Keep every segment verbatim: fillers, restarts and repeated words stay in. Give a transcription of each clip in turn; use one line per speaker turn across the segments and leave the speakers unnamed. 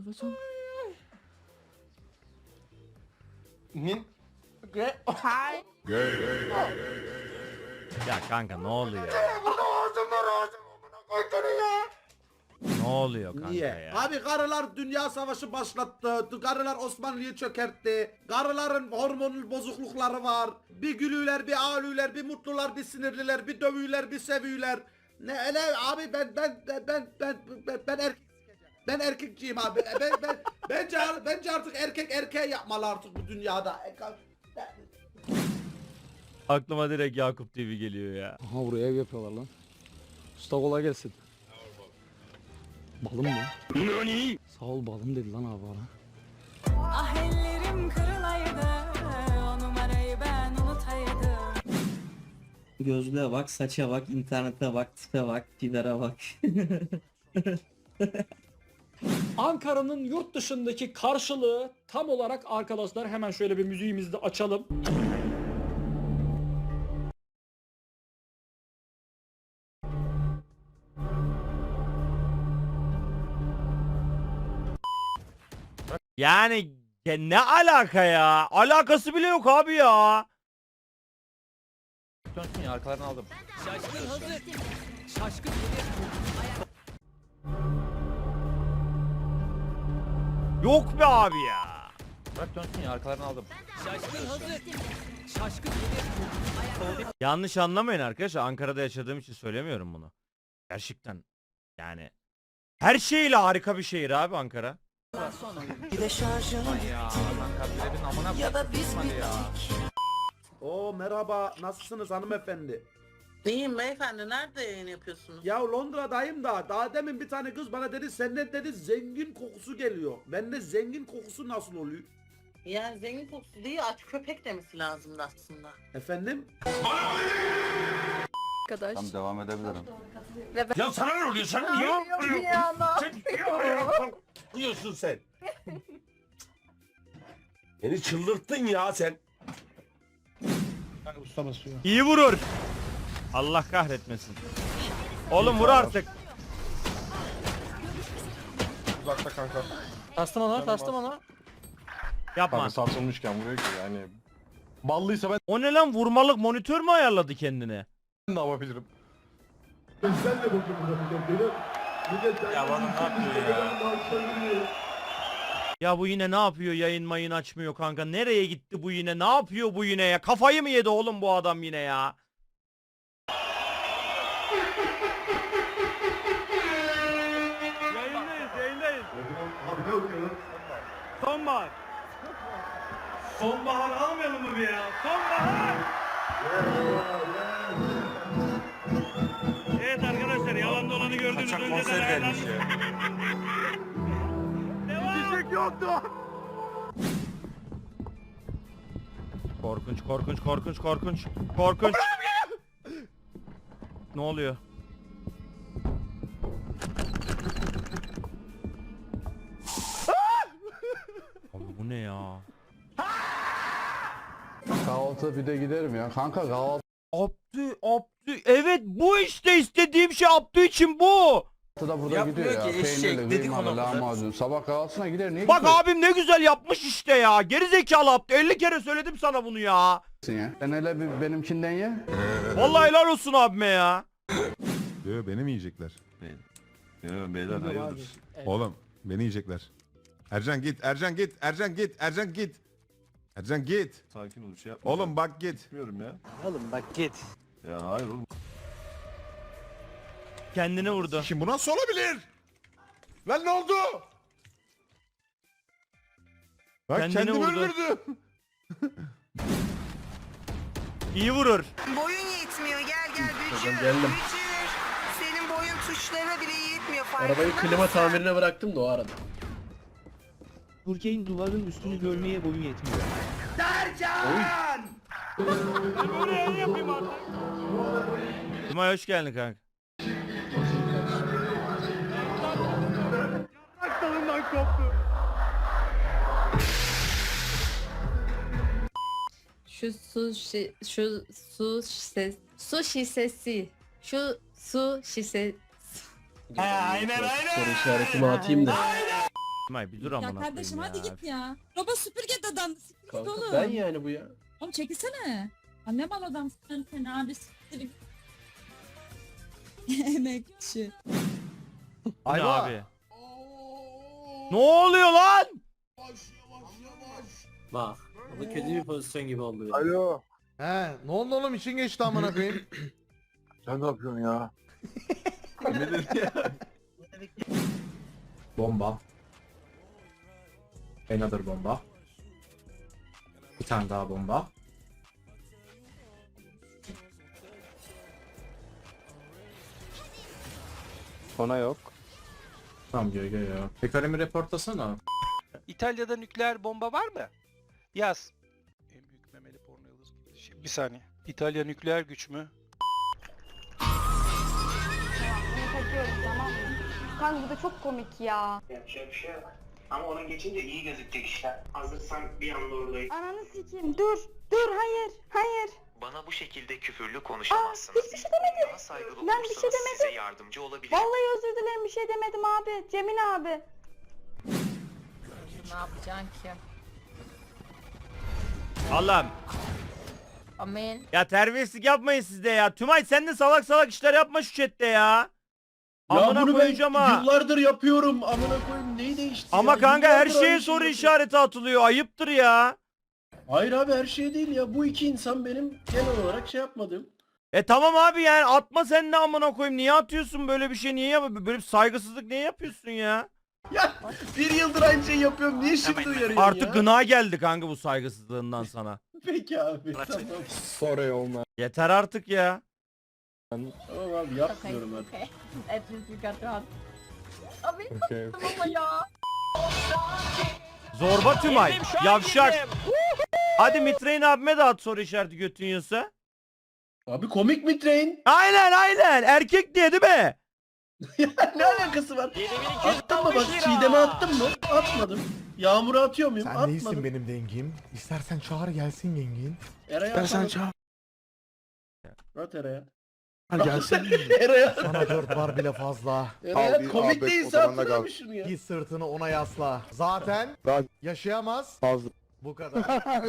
was wrong?
Ne?
Hi.
Ya kanka ne oluyor? Ne oluyor kanka
Niye?
ya?
Abi karılar dünya savaşı başlattı. Karılar Osmanlı'yı çökertti. Karıların hormonal bozuklukları var. Bir gülüler, bir ağlıyorlar, bir mutlular, bir sinirliler, bir dövüyorlar, bir seviyorlar. Ne ne abi ben ben ben ben ben ben, ben erkek ben erkekçiyim abi. Ben ben bence bence artık erkek erkeğe yapmalı artık bu dünyada.
Aklıma direkt Yakup T V geliyor ya.
Aha buraya ev yapıyorlar lan. Usta kolay gelsin. Balım mı? Nani? Sağ ol balım dedi lan abi bana.
Ah ellerim kırılaydı, o numarayı ben unutaydım.
Gözlüğe bak, saça bak, internete bak, tipe bak, Tider'e bak.
Ankara'nın yurt dışındaki karşılığı tam olarak arkadaşlar hemen şöyle bir müziğimizi de açalım.
Yani ya ne alaka ya? Alakası bile yok abi ya.
Dönsün ya arkalarını aldım.
Yok be abi ya.
Bırak dönsün ya arkalarını aldım.
Yanlış anlamayın arkadaşlar. Ankara'da yaşadığım için söylemiyorum bunu. Gerçekten yani her şeyle harika bir şehir abi Ankara.
Bir de şarjım
Ya lan kabilerin amına
ya da biz
koyayım ya.
bittik.
Oo merhaba, nasılsınız hanımefendi?
İyiyim beyefendi, nerede yayın yapıyorsunuz?
Ya Londra'dayım da daha demin bir tane kız bana dedi senden dedi zengin kokusu geliyor. Bende zengin kokusu nasıl oluyor?
Yani zengin kokusu değil, aç köpek demesi lazımdı aslında.
Efendim?
Arkadaş.
Tamam devam edebilirim.
Ya sana ne oluyor sen niye?
Sen yapıyorsun sen? Beni çıldırttın ya sen.
İyi vurur. Allah kahretmesin. Oğlum vur artık.
Uzakta kanka.
Tastım ona, tastım ona.
Yapma.
Kanka sarsılmışken vuruyor ki yani. Ballıysa ben
O ne lan, vurmalık monitör mü ayarladı kendine?
ne yapabilirim?
Ya bana ne yapıyor ya?
Ya bu yine ne yapıyor, yayın mayın açmıyor kanka. Nereye gitti bu yine, ne yapıyor bu yine ya? Kafayı mı yedi oğlum bu adam yine ya? Yayındayız yayındayız. Sonbahar. Sonbahar almayalım mı bir ya? Sonbahar. Evet arkadaşlar, yalan dolanı gördüğünüz
Kaçak
önceden
konser gelmiş
ayarlandı.
ya.
Çiçek yoktu. Korkunç korkunç korkunç korkunç korkunç. Ne oluyor? Abi bu ne ya?
Kahvaltı bir de giderim ya. Kanka kahvaltıda
Abdü Abdü, evet bu işte istediğim şey, Abdü için bu.
burada
Yapmıyor
gidiyor ya.
ki, eşek,
Peynirli,
dedik
kıymalı,
ona burada.
lahmacun. Sabah kahvaltısına gider. Niye
Bak abim ne güzel yapmış işte ya. Geri zekalı Abdü, elli kere söyledim sana bunu ya.
gitmiyorsun ya? Sen hele bir benimkinden ye.
Vallahi helal olsun abime ya.
Diyor beni mi yiyecekler?
Ya beyler hayırdır?
Oğlum beni yiyecekler. Ercan git, Ercan git, Ercan git, Ercan git. Ercan git.
Sakin ol, bir şey yapma.
Oğlum bak git.
Gitmiyorum ya.
Oğlum bak git.
Ya hayır oğlum.
Kendini vurdu.
Şimdi bu nasıl olabilir? Lan ne oldu? Bak
Kendini
kendini
vurdu.
öldürdü.
İyi vurur.
Boyun yetmiyor, gel gel Bücür.
geldim.
Bücür. Senin boyun tuşlarına bile yetmiyor, farkında
Arabayı klima
mısın?
tamirine bıraktım da o arada.
Burke'in duvarın üstünü görmeye boyun yetmiyor.
Cumay hoş geldin kanka.
Şu su şi, şu su şişe, su şişesi. Şu su şişe.
Aynen aynen. Soru işaretimi atayım da.
Tümay bir dur amına koyayım ya.
kardeşim hadi git ya. Roba süpürge dadandı. Siktir git
Kanka
oğlum.
ben yani bu ya.
Oğlum çekilsene. Anne mal adamsın sen sen abi siktir git. Emekçi.
Bu ne abi? Ne oluyor lan?
Bak. Bu kötü bir pozisyon gibi oldu.
Alo.
He ne oldu oğlum için geçti amına koyayım.
Sen ne yapıyorsun ya?
Bomba. Another bomba. Bir tane daha bomba.
Ona yok.
Tamam gel gel ya. Tekrarımı reportlasana.
İtalya'da nükleer bomba var mı? Yaz. En büyük memeli porno yıldızı. Şimdi bir saniye. İtalya nükleer güç mü?
Takıyorum tamam mı? Kanka bu da çok komik ya.
Yapacak bir şey yok. Ama ona geçince iyi gözükecek işte. Hazırsan bir anda oradayım.
Ananı sikeyim dur. Dur hayır. Hayır.
Bana bu şekilde küfürlü
konuşamazsınız. hiçbir şey demedim.
Daha saygılı
Ben bir şey demedim.
size yardımcı olabilirim.
Vallahi özür dilerim bir şey demedim abi. Cemil abi.
Ne yapacaksın ki?
Allah'ım.
Amin.
Ya terbiyesizlik yapmayın siz de ya. Tümay sen de salak salak işler yapma şu chatte ya.
Ya
Amına
bunu ben
koyacağım ha.
yıllardır yapıyorum. Amına koyayım neyi değişti
Ama
ya?
kanka her
Yıllardır
şeye
aynı
soru
şeyi
işareti atılıyor. Ayıptır ya.
Hayır abi her şey değil ya. Bu iki insan benim genel olarak şey yapmadım.
E tamam abi yani atma sen de amına koyayım. Niye atıyorsun böyle bir şey? Niye yap böyle bir saygısızlık niye yapıyorsun ya?
Ya bir yıldır aynı şeyi yapıyorum. Niye şimdi uyarıyorsun
Artık
ya?
gına geldi kanka bu saygısızlığından sana.
Peki abi tamam.
Sorry olma.
Yeter artık ya.
Tamam abi yapmıyorum hadi.
Hepimiz dikkatli ol. Abi
Okay.
tamam ya.
Zorba Tümay. Yavşak. Hadi Mitre'in abime de at soru işareti götün yiyorsa.
Abi komik mi train?
Aynen aynen. Erkek diye değil mi?
Ne alakası var? Attın mı bak Çiğdem'e attın mı? Atmadım. Yağmur'a atıyor muyum?
Sen
Atmadım.
değilsin benim dengim. İstersen çağır gelsin yengin.
Eray'a
İstersen
atmadım.
çağır
At Eray'a.
gelsin.
Eray'a.
Sana dört var bile fazla.
Eray'a komik değilse atsana bir şunu ya.
Git sırtını ona yasla. Zaten yaşayamaz. Bu kadar.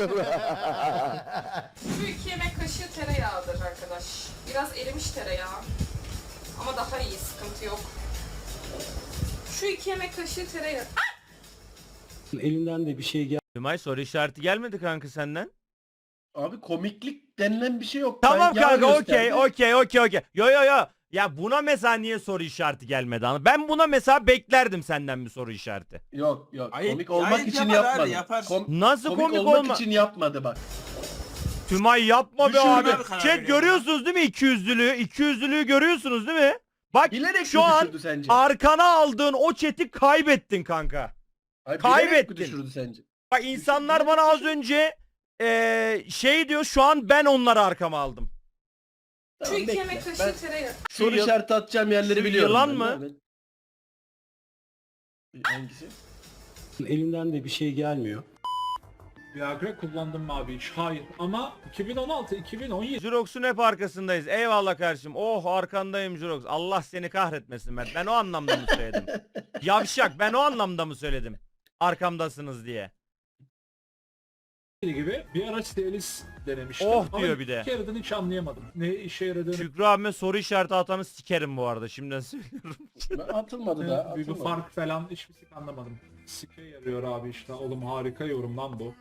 Şu iki yemek kaşığı tereyağıdır arkadaş. Biraz erimiş tereyağı. Ama daha iyi, sıkıntı yok. Şu iki yemek kaşığı tereyağı.
Elimden de bir şey gel.
Tümay soru işareti gelmedi kanka senden.
Abi komiklik denilen bir şey yok.
Tamam
Ben yağ
kanka okey
gösterdim.
okey okey okey. Yo yo yo. Ya buna mesela niye soru işareti gelmedi ana? Ben buna mesela beklerdim senden bir soru işareti.
Yok yok
Hayır,
komik olmak
hayır,
için
yapar abi,
yapmadı.
yapar.
Kom-
Nasıl
komik,
komik,
olmak
olma?
için yapmadı bak.
Tümay yapma be
Düşürdü.
abi.
Karar
Chat
veriyorum
görüyorsunuz değil mi ikiyüzlülüğü? İkiyüzlülüğü görüyorsunuz değil mi? Bak
Bilerek
şu
mi
an
düşürdü sence?
arkana aldığın o chat'i kaybettin kanka.
Hayır, bilerek mi
kaybettin.
düşürdü sence?
Bak insanlar bana az önce eee, şey diyor şu an ben onları arkama aldım.
Tamam, bekle. Ben
tereyağı.
soru
yıl-
işareti atacağım yerleri
şu
biliyorum.
yılan
ben,
mı?
değil mi? Hangisi?
Elimden de bir şey gelmiyor.
Viagra kullandım mı abi hiç? Hayır. Ama iki bin on altı iki bin on yedi
Jurox'un hep arkasındayız. Eyvallah kardeşim. Oh arkandayım Jurox. Allah seni kahretmesin ben. Ben o anlamda mı söyledim? Yavşak ben o anlamda mı söyledim? Arkamdasınız diye.
gibi bir araç değiliz denemiştim.
Oh
Ama
diyor bir de.
iki kereden hiç anlayamadım. Ne işe yaradığını.
Şükrü abime soru işareti atanı sikerim bu arada. Şimdiden söylüyorum.
Ben atılmadı da.
Bir, bir
Atılmadı.
fark falan hiçbir şey anlamadım. Sike yarıyor abi işte. Oğlum harika yorum lan bu.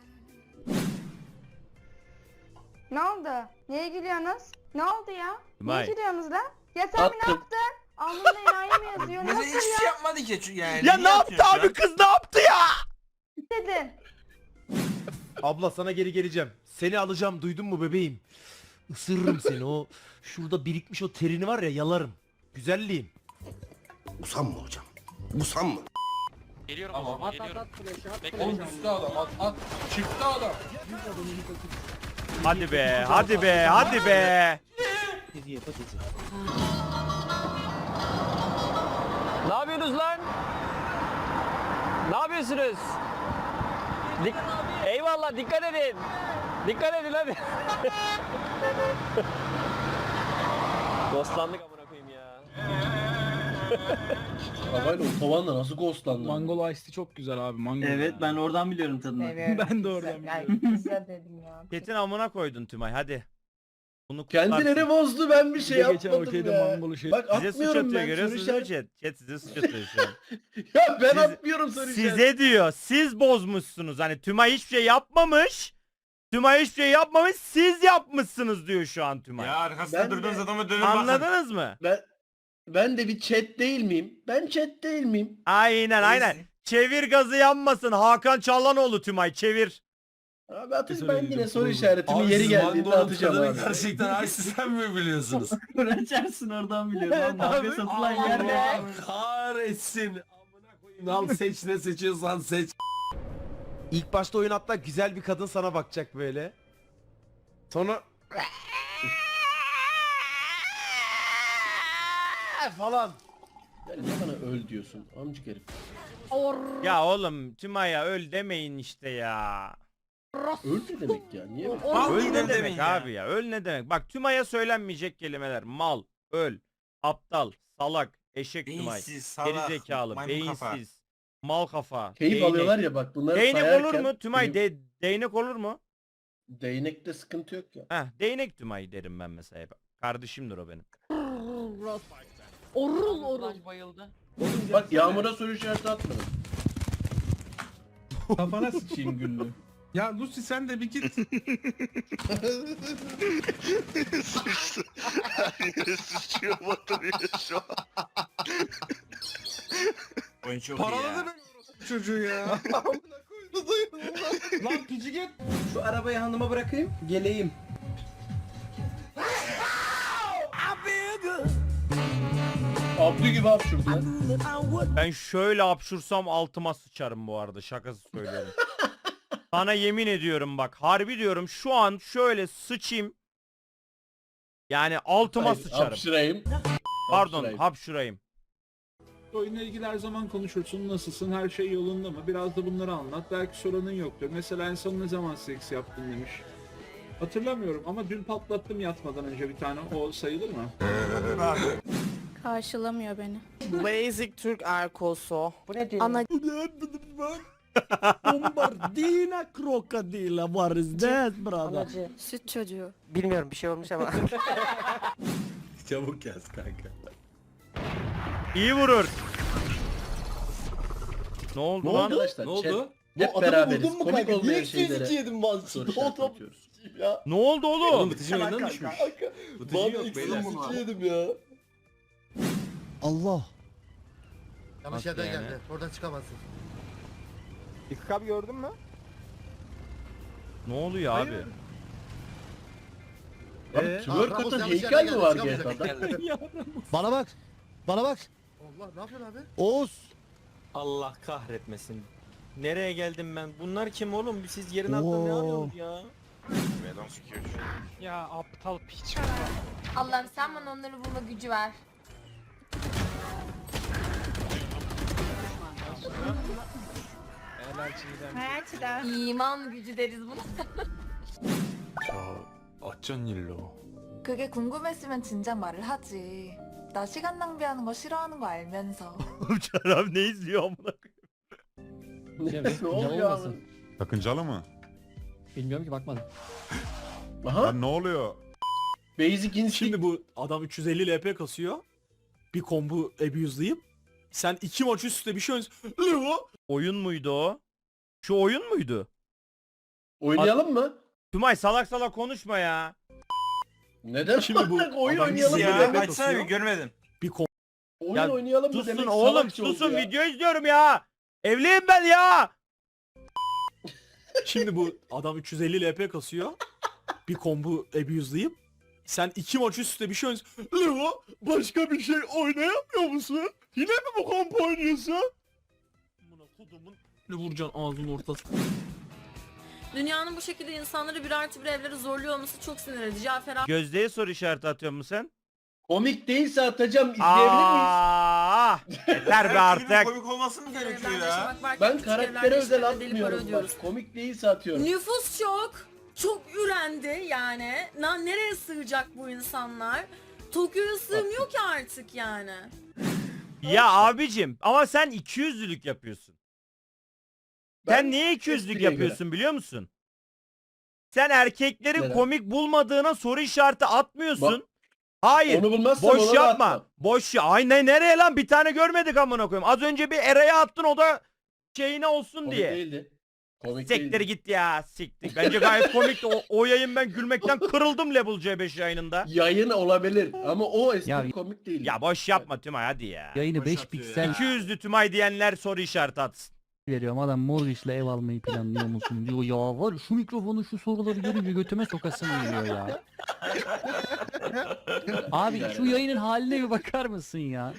Ne oldu? Niye gülüyorsunuz? Ne oldu ya?
Tümay.
Niye gülüyorsunuz lan? Ya sen bir ne
Attım.
yaptın? Alnımda enayi mi yazıyor? Nasıl ya?
yapmadı ki yani.
Ya ne yaptı abi kız ne yaptı ya?
Dedin.
Abla sana geri geleceğim. Seni alacağım duydun mu bebeğim? Isırırım seni o. Şurada birikmiş o terini var ya yalarım. Güzelliğim.
Usam mı hocam? Usam mı?
Geliyorum
Tamam.
o zaman, geliyorum.
Oğlum üstte adam at at. Çıktı adam.
Hadi be hadi be hadi be.
Ne yapıyorsunuz lan? Ne yapıyorsunuz? Dik Eyvallah dikkat edin. Dikkat edin hadi. Dostlandık amına koyayım ya.
Arabayla otobanla nasıl ghostlandın?
Mangolo Ice Tea çok güzel abi. Mango.
Evet ben oradan biliyorum tadını.
Ben de oradan biliyorum.
Güzel dedim ya.
Ketin amına koydun Tümay hadi. Bunu
Kendileri
kutlarsın.
bozdu, ben bir şey
Bir de geçen
yapmadım
okeyde
ya.
mangolu şey-
Bak
Size suç
atmıyorum
atıyor
ben
görüyorsunuz
soru
değil mi
işareti.
chat? Chat size suç atıyor şu an.
Ya ben
Siz-
atmıyorum soru işareti.
Size diyor siz bozmuşsunuz. Hani Tümay hiçbir şey yapmamış. Tümay hiçbir şey yapmamış siz yapmışsınız diyor şu an Tümay.
arkasında Ben de- durduğunuz
adamı dönüp
Anladınız mı?
Ben ben de bir chat değil miyim? Ben chat değil miyim?
Aynen aynen. Çevir gazı yanmasın. Hakan Çallanoğlu Tümay çevir.
Abi atayım
Kesin
ben
öyle
yine
diyorum.
soru işaretimi yeri geldiğinde atacağım abi.
Gerçekten ay sen mi biliyorsunuz?
Açarsın oradan biliyorum.
Evet
Lan mafya
abi.
satılan yer ne?
Allah kahretsin. Amına koyayım. Al seç ne seçiyorsan seç.
İlk başta oyun hatta güzel bir kadın sana bakacak böyle. Sonra falan.
Ya niye bana öl diyorsun amcık herif?
Ya oğlum Tümay'a öl demeyin işte ya.
Öl ne demek ya? Niye öl?
Öl ne demek abi ya? Öl ne demek? Bak Tümay'a söylenmeyecek kelimeler. Mal, öl, aptal, salak, eşek Tümay, gerizekalı, beyinsiz, mal kafa,
Keyif
değnek.
alıyorlar ya bak bunları
Değnek
sayarken.
olur mu? Tümay
benim-
de, değnek olur mu?
Değnekte sıkıntı yok ya.
Heh, değnek Tümay derim ben mesela. Kardeşimdir o benim.
Orul orul.
Bak Yağmur'a soru işareti atmadım.
Kafana sıçayım güllü. Ya Lucy sen de bir git. Paraladı beni çocuğu ya. Lan pici git.
Şu arabayı hanıma bırakayım, geleyim. Abdü gibi hapşurdu ya.
Ben şöyle hapşursam altıma sıçarım bu arada. Şakası söylüyorum. Sana yemin ediyorum bak. Harbi diyorum şu an şöyle sıçayım. Yani altıma
Hayır,
sıçarım.
Hapşırayım.
Pardon
Hapşırayım.
hapşurayım.
Oyunla ilgili her zaman konuşursun. Nasılsın? Her şey yolunda mı? Biraz da bunları anlat. Belki sorunun yoktur. Mesela en son ne zaman seks yaptın demiş. Hatırlamıyorum ama dün patlattım yatmadan önce bir tane. O sayılır mı?
Karşılamıyor beni.
Basic Türk Erkosu.
Bu ne diyor?
Ana
Bombardina crocodile what is that brother?
Anacı. Süt çocuğu.
bilmiyorum bir şey olmuş ama.
Çabuk yaz kanka.
İyi vurur. Ne oldu
Ne
lan?
oldu arkadaşlar?
Ne oldu?
Hep beraberiz. Komik olmayan şeylere
yedim
soru işareti atıyoruz.
ya?
Ne oldu oğlum?
Bıtıcı oyundan düşmüş. Bıtıcı yok beyler.
yedim ya.
Allah.
Yanlış
yerden yani? geldi.
Oradan çıkamazsın.
İlk abi gördün mü?
Ne oluyor abi?
Abi twerk atan heykel mi var G T A'da?
Bana bak. Bana bak.
Allah ne yapıyorsun abi?
Oğuz.
Allah kahretmesin. Nereye geldim ben? Bunlar kim oğlum? Siz yerin
altında ne
arıyorsunuz ya?
Ya aptal piç.
Allah'ım sen bana onları bulma gücü ver. İman gücü deriz buna.
어쩐 일로?
그게 궁금했으면 진작 말을 하지. 나 시간 낭비하는 거 싫어하는 거 알면서.
Oğlum Çarap ne izliyor amına koyayım?
Ne oluyor abi?
Sakıncalı mı?
Bilmiyorum ki bakmadım.
Aha.
Lan ne oluyor?
Basic instinct.
Şimdi bu adam üç yüz elli L P kasıyor. Bir combo abuse'layıp sen iki maç üst üste bir şey oynuyorsun.
Oyun muydu o? Şu oyun muydu?
Oynayalım mı?
Tümay salak salak konuşma ya.
Neden?
Şimdi bu
oyun
adam
oynayalım mı
ya,
demek?
açsana bir
görmedim.
Bir combo
Oyun
Ya
oynayalım mı
Susun
demek?
oğlum
salakça oldu
susun
ya.
video izliyorum ya. Evliyim ben ya.
Şimdi bu adam üç yüz elli L P kasıyor. Bir combo abuse'layıp sen iki maç üst üste bir şey oynuyorsun. Leo başka bir şey oynayamıyor musun? Yine mi bu combo oynuyorsun? Buna kodumun ne vuracaksın ağzının ortasına.
Dünyanın bu şekilde insanları bir artı bir evlere zorluyor olması çok sinir edici. Cafer abi.
Gözdeye soru işareti atıyor musun sen?
Komik değilse atacağım, izleyebilir miyiz?
Aa, yeter be artık.
Komik olması mı gerekiyor ya?
yaşamak varken
Ben
küçük
karaktere
evlerde
özel
işte deli para
atmıyorum.
ödüyoruz.
Bak, komik değilse atıyorum.
Nüfus çok. Çok ürendi yani. Na, nereye sığacak bu insanlar? Tokyo'ya sığmıyor ki artık yani.
Ya abicim ama sen iki yüzlülük yapıyorsun. Sen
Ben
niye iki yüzlülük
espriye
yapıyorsun biliyor musun? Sen erkekleri
Neden?
komik bulmadığına soru işareti atmıyorsun.
Bak,
Hayır.
Onu bulmazsam
Boş
ona da
yapma.
atmam.
Boş ya. Ay ne nereye lan bir tane görmedik amına koyayım. Az önce bir Eray'a attın o da şeyine olsun
Komik
diye.
değildi. Komik
Siktir
değildi.
git ya siktir. Bence gayet komikti. O, o yayın ben gülmekten kırıldım Level C beş yayınında.
Yayın olabilir ama o espri
Ya-
komik değil.
Ya boş yapma Tümay hadi ya.
Yayını beş piksel
iki yüzlü Tümay diyenler soru işareti atsın.
veriyorum. Adam Morris'le ev almayı planlıyor musun diyor. Ya var ya, şu mikrofonu şu soruları görünce götüme sokasım geliyor ya. Abi şu yayının haline bir bakar mısın ya?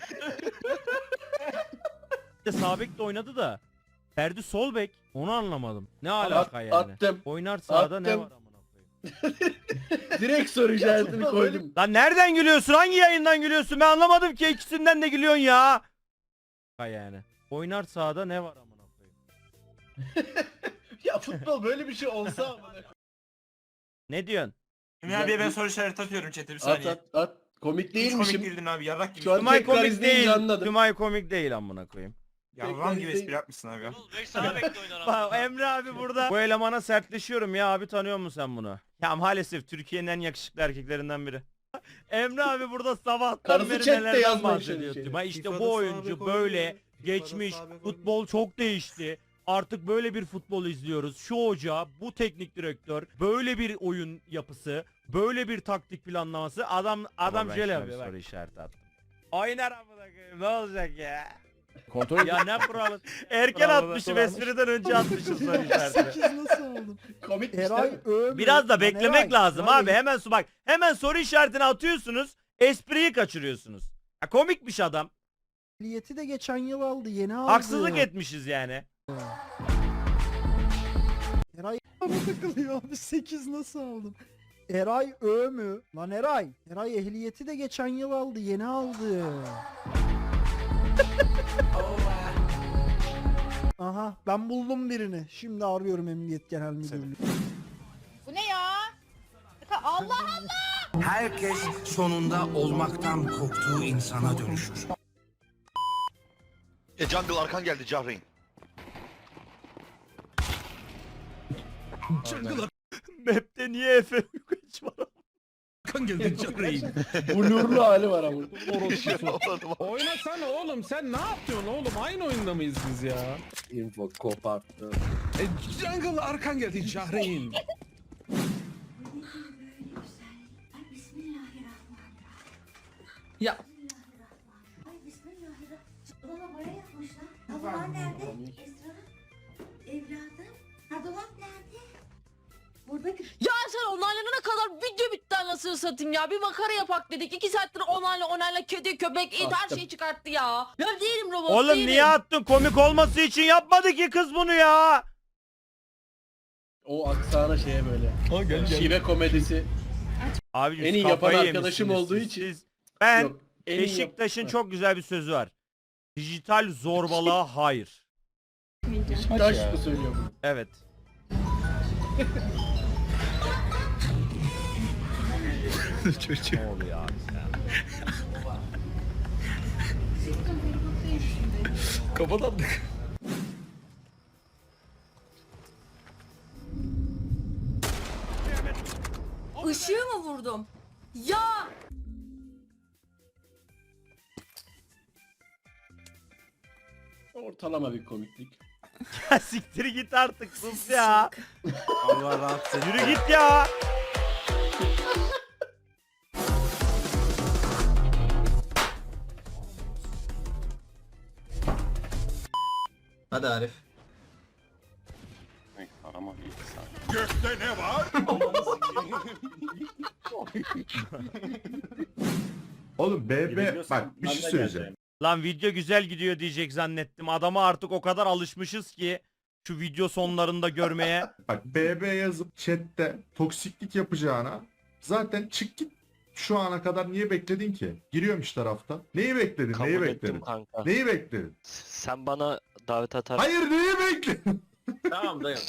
Bir de sağ bek de oynadı da. Ferdi sol bek. Onu anlamadım. Ne
At-
alaka yani?
attım.
Oynar sağda ne
Attım.
var amına koyayım?
Direkt soru işaretini koydum.
Lan nereden gülüyorsun? Hangi yayından gülüyorsun? Ben anlamadım ki ikisinden de gülüyorsun ya. Ha yani. Oynar sahada ne var amına koyayım?
Ya futbol böyle bir şey olsa ama.
Ne diyorsun?
Emre abiye ben
soru işareti atıyorum chat'e bir
At at at. Komik değilmişim.
değildin abi yarrak gibi.
Şu an
Tümay
tekrar
komik
izleyince
değil.
anladım.
Tümay komik değil amına koyayım.
Tekrar izleyince-
yapmışsın abi ya.
Bak Emre abi burada. Bu elemana sertleşiyorum ya abi tanıyor musun sen bunu? Ya maalesef Türkiye'nin en yakışıklı erkeklerinden biri. Emre abi burada sabahtan
Karısı
beri
chatte
nelerden
yazmaya
bahsediyor.
çalışıyor.
Tümay işte
FIFA'da
bu
sağ
oyuncu
bek
böyle
oynuyor.
geçmiş.
FIFA'da sağ bek
Futbol çok değişti. Artık böyle bir futbol izliyoruz. Şu hoca, bu teknik direktör, böyle bir oyun yapısı, böyle bir taktik planlaması. Adam adam şöyle yapıyor. Soru işareti attım. Oynar amına koyayım. Ne olacak ya?
Kontrol
Ya ne kuralı? Erken atmışım espriden önce atmışım soru işareti.
nasıl aldım?
Komik
Eray
işte.
övmüyor.
Biraz da
Lan
beklemek
Eray,
lazım
Eray,
abi. Hemen su bak. Hemen soru işaretini atıyorsunuz. Espriyi kaçırıyorsunuz. Ya komikmiş adam.
Ehliyeti de geçen yıl aldı. Yeni aldı.
Haksızlık etmişiz yani.
Eray bana takılıyor abi. sekiz nasıl aldım? Eray Ö mü? Lan Eray. Eray ehliyeti de geçen yıl aldı. Yeni aldı. Aha ben buldum birini. Şimdi arıyorum Emniyet Genel Müdürlüğü.
Bu ne ya? Allah Allah!
Herkes sonunda olmaktan korktuğu insana dönüşür.
E Jungle arkan geldi Cahreyn.
Map'te niye Efe Uygaç var?
Arkan geldi Cahreyn.
Blurlu hali var ama.
Oynasana oğlum sen ne yapıyorsun oğlum? Aynı oyunda mıyız biz ya?
Info koparttı.
E, Jungle arkan geldi Cahreyn.
Ya
Dolaba boya yapmışlar. Dolap nerede? Esra. Evladım. Ha dolap nerede? Buradaki.
Ya sen onaylanana kadar video bitti anasını satayım ya. Bir makara yapak dedik. İki saattir onayla onayla kedi köpek it her
Attım.
şeyi çıkarttı ya. Ya değilim robot
Oğlum
değilim.
niye attın? Komik olması için yapmadı ki kız bunu ya.
O aksana şeye böyle.
Ha gel
Şive komedisi.
Abicim
En iyi
siz
yapan
kafayı
arkadaşım
yemişsiniz
olduğu
siz.
için.
Siz- Ben
Yok, en iyi yap-
Beşiktaş'ın
Ha.
çok güzel bir sözü var. Dijital zorbalığa hayır.
Taş mı söylüyor bunu?
Evet. Ne oluyor abi sen?
Kafadan
Işığı mı vurdum? Ya!
Ortalama bir komiklik.
Ya siktir git artık sus ya.
Allah rahatsız
Yürü git ya.
Hadi Arif.
Oğlum B B bak bir şey söyleyeceğim.
Lan video güzel gidiyor diyecek zannettim. Adama artık o kadar alışmışız ki şu video sonlarında görmeye.
Bak B B yazıp chatte toksiklik yapacağına zaten çık git. Şu ana kadar niye bekledin ki? Giriyormuş tarafta. Neyi bekledin? Neyi bekledin?
kanka.
Neyi bekledin?
Sen bana davet atar.
Hayır neyi bekledin?
Tamam dayım.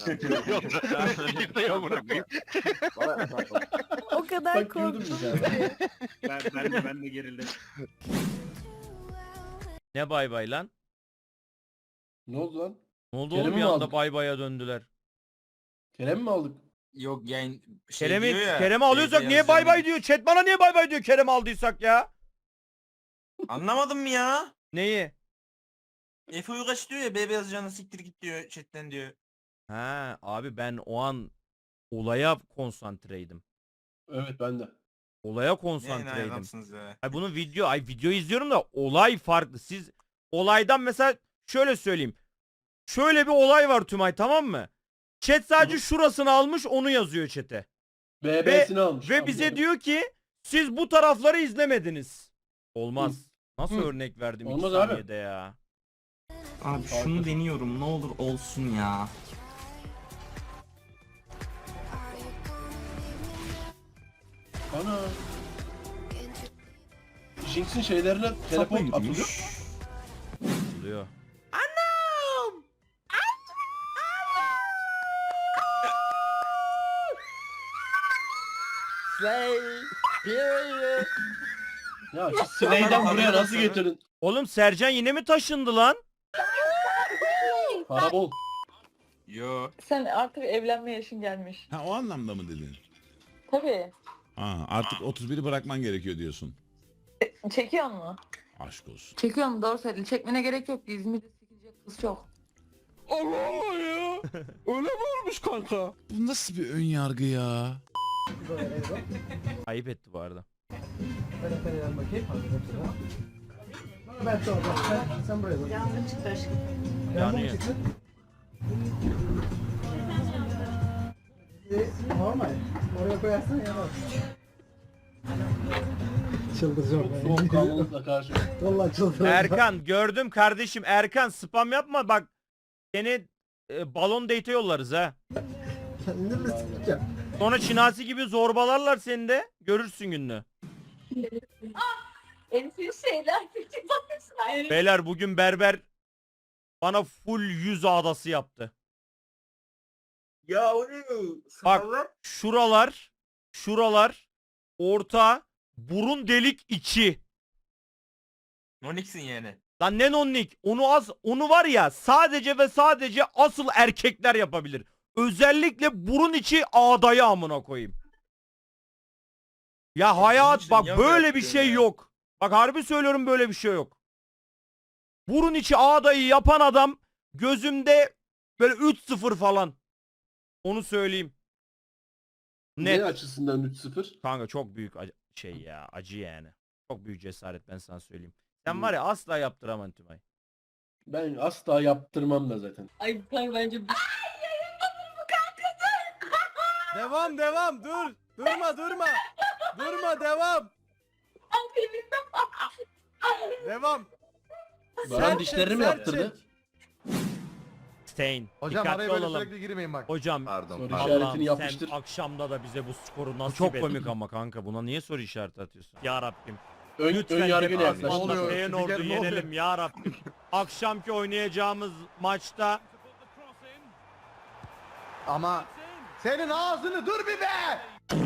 O kadar
Bak gördün mü sen?
Ben, ben, de, ben de gerildim.
Ne bay bay lan?
Ne oldu lan?
Ne oldu
Kerem'i
oğlum bir
mi
anda
aldık?
bay baya döndüler.
Kerem mi aldık?
Yok yani şey
Kerem'i
diyor ya,
Kerem'i
şeyde
alıyorsak niye
yazıyor.
bay bay diyor? Chat bana niye bay bay diyor Kerem'i aldıysak ya?
Anlamadım mı ya?
Neyi?
Efe Uygaç diyor ya B beyaz canı siktir git diyor chatten diyor.
Ha abi ben o an olaya konsantreydim.
Evet ben de.
Olaya
Ne
konsantreydim.
adamsınız ya.
Ay bunun video, ay video izliyorum da olay farklı. Siz olaydan mesela şöyle söyleyeyim. Şöyle bir olay var Tümay, tamam mı? Chat sadece şurasını almış, onu yazıyor chat'e.
B B'sini almış.
Ve bize
anladım.
diyor ki siz bu tarafları izlemediniz. Olmaz.
Hı.
Nasıl
Hı.
örnek verdim iki
Olmaz abi.
saniyede ya.
Abi şunu deniyorum ne olur olsun ya.
Ana. Jinx'in şeylerine teleport atılıyor.
Oluyor.
Ya şu Slay'den buraya nasıl getirin?
Oğlum Sercan yine mi taşındı lan?
Para bol.
Yo.
Sen artık evlenme yaşın gelmiş.
Ha o anlamda mı dedin?
Tabii.
Ha, artık otuz biri bırakman gerekiyor diyorsun.
Çekiyor mu?
Aşk olsun.
Çekiyor mu? Doğru söyledin. Çekmene gerek yok. İzmir'de çekilecek kız çok.
Allah Allah ya. Öyle mi olmuş kanka?
Bu nasıl bir ön yargı ya?
Ayıp etti bu arada. Yanıyor.
Soğukkanlılıkla karşı.
Erkan gördüm kardeşim. Erkan spam yapma bak. Seni e, balon date yollarız ha. Sonra Çinasi gibi zorbalarlar seni de. Görürsün gününü.
Enfes şeyler.
Beyler bugün berber bana full yüz ağdası yaptı.
Ya o ne?
Bak şuralar, şuralar, orta, burun delik içi.
Nonix'in yani.
Lan ne nonnik? Onu az, onu var ya sadece ve sadece asıl erkekler yapabilir. Özellikle burun içi ağdayı amına koyayım. Ya hayat
için
bak
niye
böyle
öyle
bir
yapıyorsun
şey
ya?
yok. Bak harbi söylüyorum böyle bir şey yok. Burun içi ağdayı yapan adam gözümde böyle üç sıfır falan. Onu söyleyeyim.
Ne
Net.
açısından üç sıfır?
Kanka çok büyük acı- şey ya acı yani. Çok büyük cesaret ben sana söyleyeyim. Sen
Hmm.
var ya asla yaptıramam Tümay.
Ben asla yaptırmam da zaten.
Ay kanka bence
Devam devam dur. Durma durma. Durma devam. Devam.
Baran dişlerini mi yaptırdı?
Stain.
Hocam
Dikkatli
araya böyle
olalım.
sürekli girmeyin bak.
Hocam
Pardon.
Soru
pardon.
işaretini
Allah'ım
yapıştır.
sen akşamda da bize bu skoru nasip
çok
et.
komik
ama kanka buna niye soru işareti atıyorsun? Ya Rabbim.
Ön,
Lütfen
ön yargıyla
hep-
yaklaştın.
Ne oluyor?
Feyenoord'u
Spiker ne oluyor?
yenelim ya Rabbim. Akşamki oynayacağımız maçta
Ama senin ağzını dur bir be!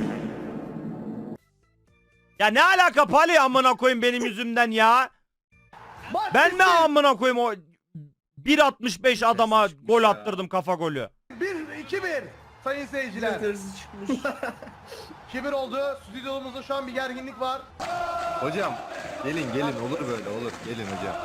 ya ne alaka Pali amına koyayım benim yüzümden ya?
Maç
Ben mi
bitti.
amına koyayım o bir altmış beş adama gol attırdım kafa golü.
bir iki bir sayın seyirciler. iki bir oldu. Stüdyomuzda şu an bir gerginlik var.
Hocam gelin gelin olur böyle olur. Gelin hocam.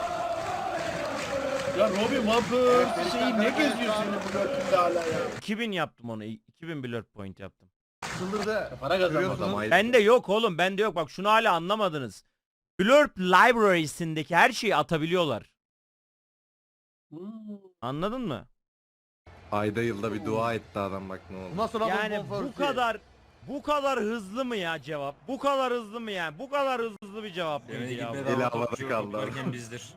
Ya Robin Vampers şeyi ne geziyorsun bu dörtlükte hala ya?
iki bin yaptım onu. iki bin blur point yaptım.
Çıldırdı.
Para kazanmadı
Görüyorsunuz.
ama.
Bende yok oğlum bende yok bak şunu hala anlamadınız. Blurb library'sindeki her şeyi atabiliyorlar.
Hmm.
Anladın mı?
Ayda yılda bir dua etti adam bak ne oldu.
Nasıl
Yani bu kadar bu kadar hızlı mı ya cevap? Bu kadar hızlı mı yani? Bu kadar hızlı bir cevap mıydı ya? bu?
Eli havada kaldı.
bizdir.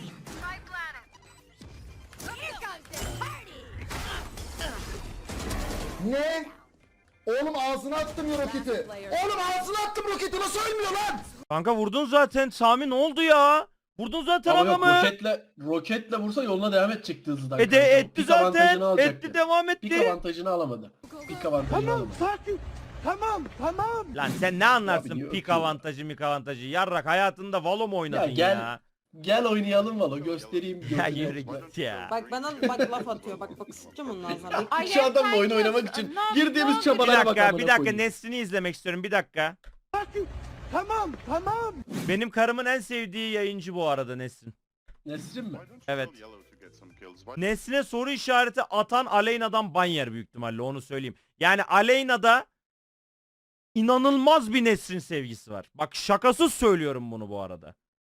Ne? Oğlum ağzına attım ya roketi. Oğlum ağzına attım roketi nasıl ölmüyor lan?
Kanka vurdun zaten Sami ne oldu ya? Vurdun zaten
Ama yok
adamı.
roketle, roketle vursa yoluna devam edecekti hızlıdan.
E de
kanka.
etti
Pik
zaten.
avantajını alacaktı.
Etti devam
Pik
etti.
avantajını alamadı. Pik avantajını alamadı.
sakin. Tamam tamam.
Lan sen ne anlarsın
Abi,
pik
yok.
avantajı mik avantajı? Yarrak hayatında Valo mu oynadın
Ya
ya?
gel- Gel oynayalım valla göstereyim.
Ya
gözüne.
yürü git ya.
Bak bana bak laf atıyor. Bak bak sıkacağım onun ağzına. Bak.
Şu adamla oyun oynamak için girdiğimiz
Bir
çabalara bak
dakika,
amına
bir dakika
koyayım.
Nesrin'i izlemek istiyorum. Bir dakika.
Tamam tamam.
Benim karımın en sevdiği yayıncı bu arada Nesrin.
Nesrin mi?
Evet. Nesrin'e soru işareti atan Aleyna'dan ban yer büyük ihtimalle, onu söyleyeyim. Yani Aleyna'da inanılmaz bir Nesrin sevgisi var. Bak şakasız söylüyorum bunu bu arada.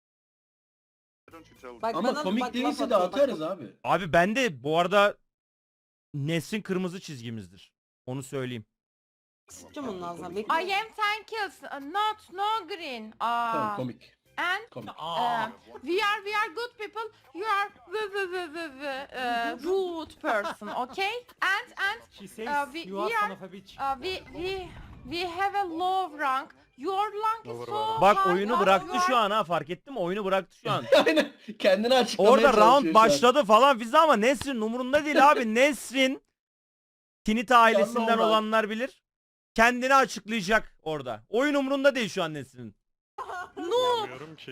Bak
Ama
bana
komik
bak laf
değilse de
atıyor. Bak,
atarız
bak.
abi.
Abi ben de bu arada Nesrin kırmızı çizgimizdir. Onu söyleyeyim.
Sıkacağım onun ağzına. Bak.
I am ten kills, uh, not no green.
Tamam
Ah.
komik.
And
Komik.
uh, we are we are good people. You are v v v v v uh, rude person, okay? And and uh, we, we are uh, we we we have a low rank. Your rank is so
Bak
high.
oyunu
You
bıraktı
are-
şu an ha, fark ettin mi? Oyunu bıraktı şu an.
Aynen kendini açıklamaya
Orada
çalışıyor
round
şu an.
başladı falan filan ama Nesrin umurunda değil abi. Nesrin Tinita ailesinden
Yanlı olan.
olanlar bilir. Kendini açıklayacak orada. Oyun umurunda değil şu an Nesrin'in.
No.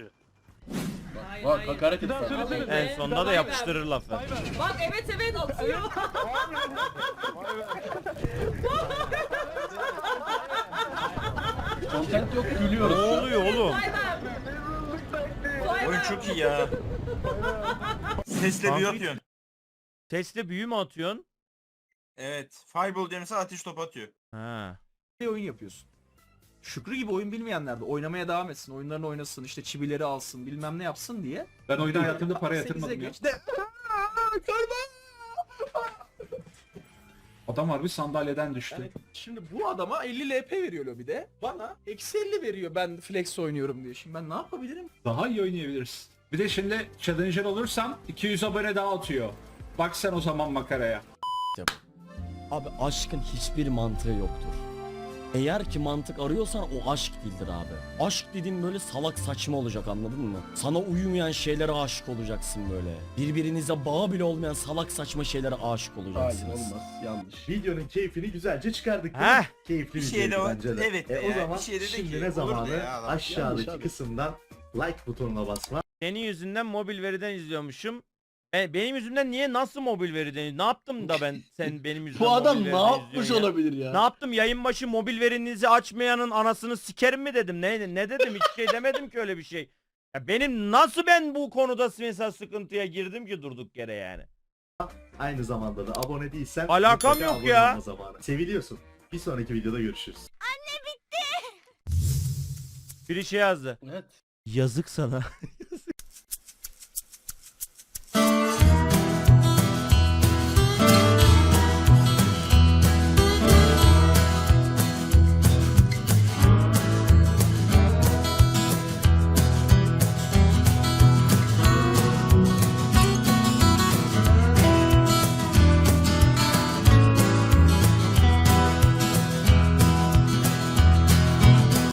Bak hakaret et.
En sonunda da yapıştırır lafı.
Bak evet evet atıyor.
Content yok
Ne
gülüyoruz. şu an.
oluyor oğlum?
Oyun çok iyi ya.
Sesle büyü atıyorsun. Sesle büyü mü atıyorsun?
Evet. Fireball diye mesela ateş topu atıyor.
Ha.
Bir oyun yapıyorsun. Şükrü gibi oyun bilmeyenler de oynamaya devam etsin, oyunlarını oynasın, işte çivileri alsın, bilmem ne yapsın diye.
Ben oyunda hayatımda para yatırmadım ya.
Geçti.
Adam harbi sandalyeden düştü.
Yani şimdi bu adama elli L P veriyor lobide. Bana eksi elli veriyor ben flex oynuyorum diye. Şimdi ben ne yapabilirim?
Daha iyi oynayabilirsin. Bir de şimdi challenger olursam iki yüz abone daha atıyor. Bak sen o zaman makaraya.
Abi aşkın hiçbir mantığı yoktur. Eğer ki mantık arıyorsan o aşk değildir abi. Aşk dediğin böyle salak saçma olacak, anladın mı? Sana uyumayan şeylere aşık olacaksın böyle. Birbirinize bağı bile olmayan salak saçma şeylere aşık
Hayır
olacaksınız.
olmaz yanlış.
Videonun keyfini güzelce çıkardık.
Heh.
Keyifli
Bir
bir
şey de
videoydu
o-
bence de.
evet
E,
ya,
o zaman
bir şey de de
şimdi
ki,
ne
olurdu
zamanı
ya adam.
Yanlış
aşağıdaki
abi.
kısımdan like butonuna basma.
Senin yüzünden mobil veriden izliyormuşum. E, benim yüzümden niye, nasıl mobil veriden? Ne yaptım da ben sen benim yüzümden
Bu adam
mobil
ne
veriden
yapmış
izliyorsun ya?
olabilir ya?
Ne yaptım? Yayın başı mobil verinizi açmayanın anasını sikerim mi dedim? Ne ne dedim? Hiç şey demedim ki öyle bir şey. Ya benim nasıl ben bu konuda mesela sıkıntıya girdim ki durduk yere yani.
Aynı zamanda da abone değilsen
Alakam
mutlaka
yok
abone
ya.
olma zamanı. Seviliyorsun. Bir sonraki videoda görüşürüz.
Biri şey yazdı.
Evet.
Yazık sana.